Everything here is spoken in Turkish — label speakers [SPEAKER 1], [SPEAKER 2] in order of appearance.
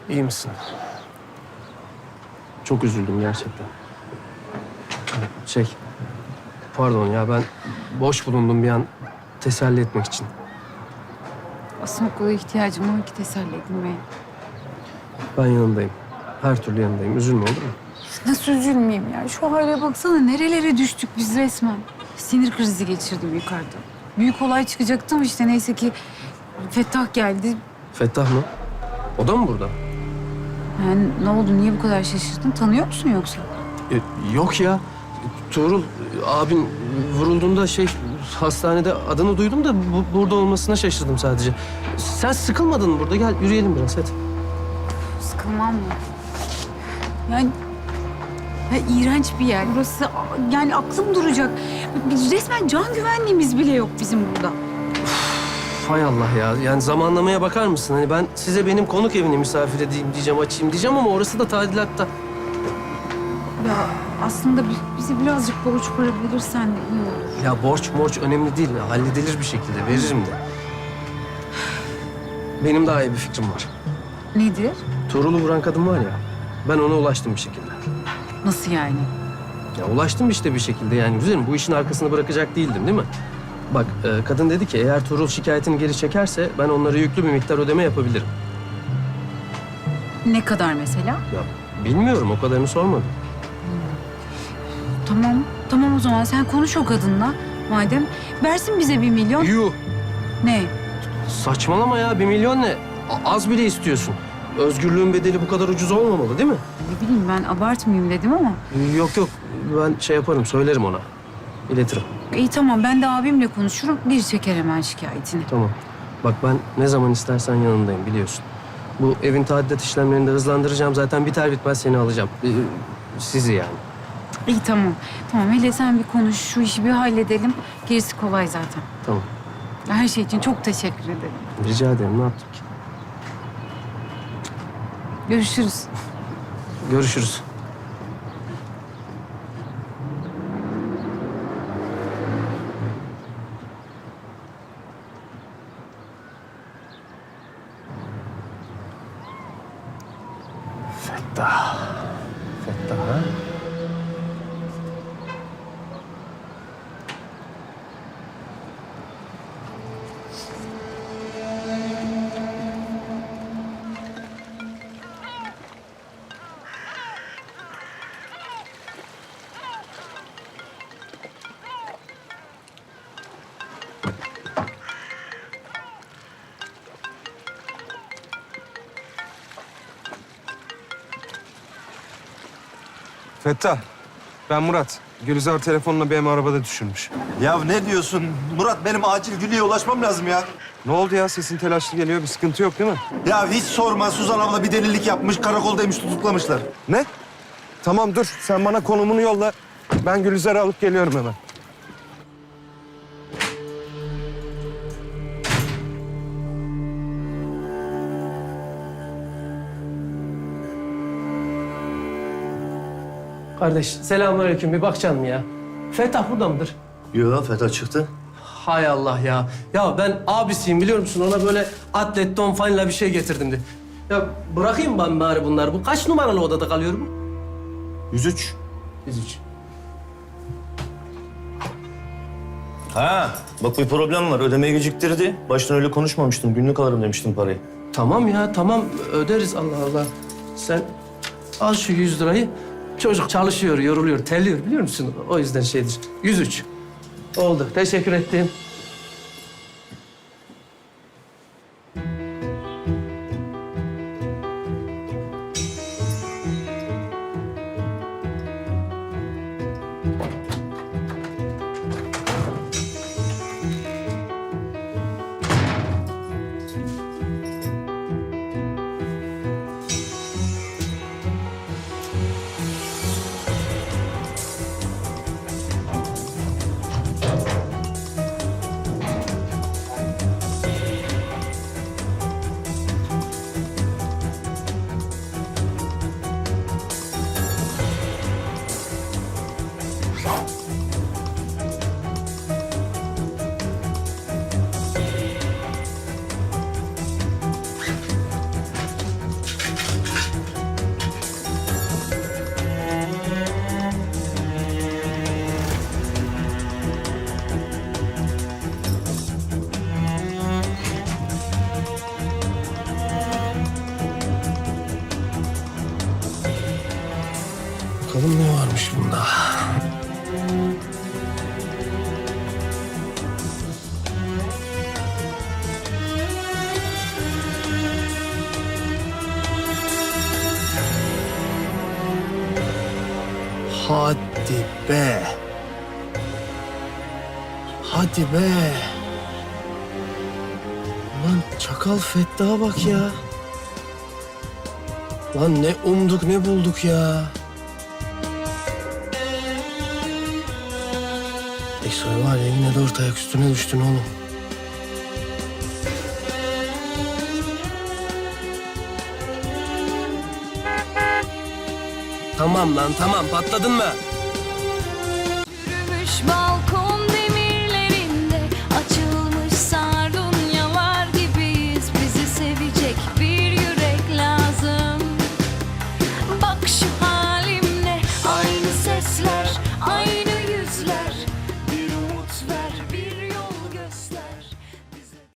[SPEAKER 1] İyi misin? Çok üzüldüm gerçekten. Pardon ya ben boş bulundum bir an teselli etmek için.
[SPEAKER 2] Aslında o kadar ihtiyacım var ki teselli edilmeye.
[SPEAKER 1] Ben yanındayım. Her türlü yanındayım. Üzülme olur mu?
[SPEAKER 2] Nasıl üzülmeyeyim ya? Şu hale baksana nerelere düştük biz resmen. Sinir krizi geçirdim yukarıda. Büyük olay çıkacaktı ama işte neyse ki Fettah geldi.
[SPEAKER 1] Fettah mı? O da mı burada?
[SPEAKER 2] Yani ne oldu? Niye bu kadar şaşırdın? Tanıyor musun yoksa?
[SPEAKER 1] Yok ya. Tuğrul abin vurulduğunda hastanede adını duydum da burada olmasına şaşırdım sadece. Sen sıkılmadın mı burada? Gel yürüyelim biraz hadi.
[SPEAKER 2] Sıkılmam mı? Yani ya, iğrenç bir yer. Burası yani aklım duracak. Biz resmen can güvenliğimiz bile yok bizim burada.
[SPEAKER 1] Hay Allah ya. Yani zamanlamaya bakar mısın? Hani ben size benim konuk evini misafir edeyim diyeceğim, açayım diyeceğim ama orası da tadilatta.
[SPEAKER 2] Ya aslında bize birazcık borç para verirsen de iyi olur.
[SPEAKER 1] Ya borç önemli değil. Halledilir bir şekilde. Veririm de. Benim daha iyi bir fikrim var.
[SPEAKER 2] Nedir?
[SPEAKER 1] Tuğrul'u vuran kadın var ya. Ben ona ulaştım bir şekilde.
[SPEAKER 2] Nasıl yani?
[SPEAKER 1] Ya ulaştım işte bir şekilde yani. Güzelim bu işin arkasını bırakacak değildim değil mi? Bak kadın dedi ki eğer Tuğrul şikayetini geri çekerse ben onlara yüklü bir miktar ödeme yapabilirim.
[SPEAKER 2] Ne kadar mesela?
[SPEAKER 1] Ya bilmiyorum o kadarını sormadım.
[SPEAKER 2] Tamam o zaman sen konuş o kadınla. Madem versin bize 1 milyon.
[SPEAKER 1] Yuh!
[SPEAKER 2] Ne?
[SPEAKER 1] Saçmalama ya 1 milyon ne? Az bile istiyorsun. Özgürlüğün bedeli bu kadar ucuz olmamalı değil mi?
[SPEAKER 2] Ne bileyim ben abartmayayım dedim ama.
[SPEAKER 1] Yok ben yaparım söylerim ona. İletirim.
[SPEAKER 2] İyi tamam ben de abimle konuşurum. Bir çeker hemen şikayetini.
[SPEAKER 1] Tamam. Bak ben ne zaman istersen yanındayım biliyorsun. Bu evin tadilat işlemlerini de hızlandıracağım. Zaten biter bitmez seni alacağım. Sizi yani.
[SPEAKER 2] İyi tamam. Tamam hele sen bir konuş. Şu işi bir halledelim. Gerisi kolay zaten.
[SPEAKER 1] Tamam.
[SPEAKER 2] Her şey için çok teşekkür ederim.
[SPEAKER 1] Rica ederim. Ne yaptık ki?
[SPEAKER 2] Görüşürüz.
[SPEAKER 1] Görüşürüz. Fettah. Fettah ha?
[SPEAKER 3] Fettah, ben Murat. Gülizar telefonla benim arabada düşürmüş.
[SPEAKER 4] Ya ne diyorsun? Murat benim acil Gülü'ye ulaşmam lazım ya.
[SPEAKER 3] Ne oldu ya? Sesin telaşlı geliyor. Bir sıkıntı yok değil mi?
[SPEAKER 4] Ya hiç sorma. Suzan abla bir delilik yapmış. Karakoldaymış tutuklamışlar.
[SPEAKER 3] Ne? Tamam dur. Sen bana konumunu yolla. Ben Gülizar'ı alıp geliyorum hemen.
[SPEAKER 1] Kardeş selamünaleyküm. Bir bakacaksın mı ya? Fettah burada mıdır?
[SPEAKER 4] Yok Fethat çıktı.
[SPEAKER 1] Hay Allah ya. Ya ben abisiyim biliyor musun? Ona böyle atlet, don fanla bir şey getirdim de. Ya bırakayım ben bari bunları. Bu kaç numaralı odada kalıyor bu?
[SPEAKER 4] 103.
[SPEAKER 1] 103.
[SPEAKER 5] Ha, bak bir problem var. Ödemeyi geciktirdi. Baştan öyle konuşmamıştım. Günlük alırım demiştim parayı.
[SPEAKER 1] Tamam ya tamam öderiz Allah Allah. Sen al şu 100 lirayı. Çocuk çalışıyor, yoruluyor, terliyor biliyor musun? O yüzden şeydir. 103. Oldu. Teşekkür ettim. Hadi be. Hadi be. Lan çakal Fettah'a bak ya. Lan ne umduk ne bulduk ya. Eksoy var ya yine de orta ayak üstüne düştün oğlum. Tamam lan tamam patladın mı?
[SPEAKER 6] Yürümüş balkon